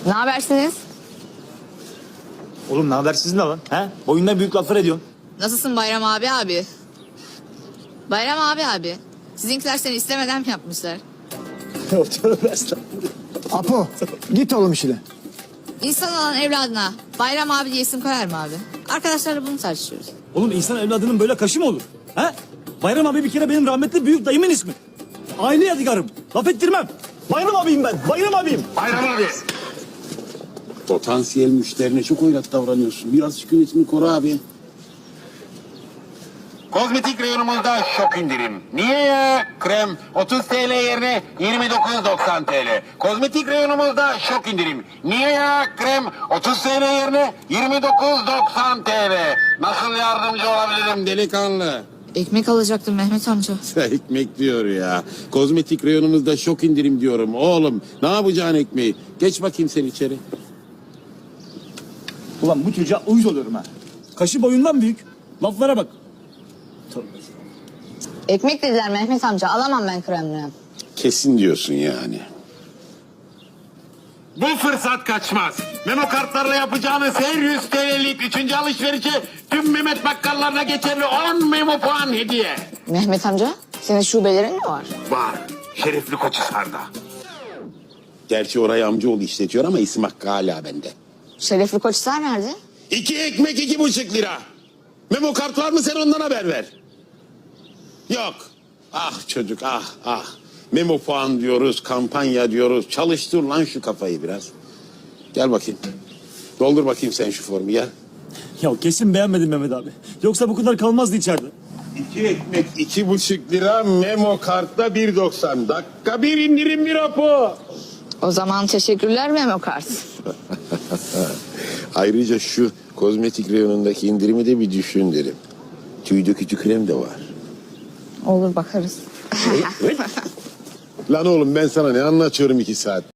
Ne habersiniz? Oğlum ne haber sizin de lan? He? Oyunda büyük laflar ediyorsun. Nasılsın Bayram abi? Bayram abi. Sizinkiler seni istemeden mi yapmışlar? Tövbe estağfurullah. Apo git oğlum işine. İnsan olan evladına Bayram abi diye isim koyar mı abi? Arkadaşlarla bunu tartışıyoruz. Oğlum insan evladının böyle kaşı mı olur? He? Bayram abi bir kere benim rahmetli büyük dayımın ismi. Aile yadigarım. Laf ettirmem. Bayram abiyim ben. Bayram abiyim. Bayram abi. Potansiyel müşterine çok oynak davranıyorsun. Biraz sükunetini koru abi. Kozmetik reyonumuzda şok indirim. Niye ya? Krem 30 TL yerine 29.90 TL. Kozmetik reyonumuzda şok indirim. Niye ya? Krem 30 TL yerine 29.90 TL. Nasıl yardımcı olabilirim delikanlı? Ekmek alacaktım Mehmet amca. Ekmek diyor ya. Kozmetik reyonumuzda şok indirim diyorum. Oğlum ne yapacaksın ekmeği? Geç bakayım sen içeri. Ulan bu çocuğa uyuz oluyorum ha. Kaşı boyundan büyük. Laflara bak. Tövbe. Ekmek dediler Mehmet amca. Alamam ben kremle. Kesin diyorsun yani. Bu fırsat kaçmaz. Memo kartlarla yapacağınız her 100 TL'lik 3. alışverişe tüm Mehmet bakkallarına geçerli 10 memo puan hediye. Mehmet amca senin şubelerin mi var? Var. Şerefli Koçhisar'da. Gerçi orayı amcaoğlu işletiyor ama isim hakkı hala bende. Şerefli Koçhisar nerede? 2 ekmek 2,5 lira. Memo kart var mı sen ondan haber ver. Yok. Ah çocuk ah. Memo puan diyoruz, kampanya diyoruz. Çalıştır lan şu kafayı biraz. Gel bakayım. Doldur bakayım sen şu formu gel. Ya kesin beğenmedin Mehmet abi. Yoksa bu kadar kalmazdı içeride. 2 ekmek 2,5 lira, memo kartta 1,90. Dakika bir indirim bir rapo. O zaman teşekkürler Memo Kart. Ayrıca şu kozmetik reyonundaki indirimi de bir düşün derim. Tüy dökücü krem de var. Olur bakarız. Lan oğlum ben sana ne anlatıyorum 2 saat?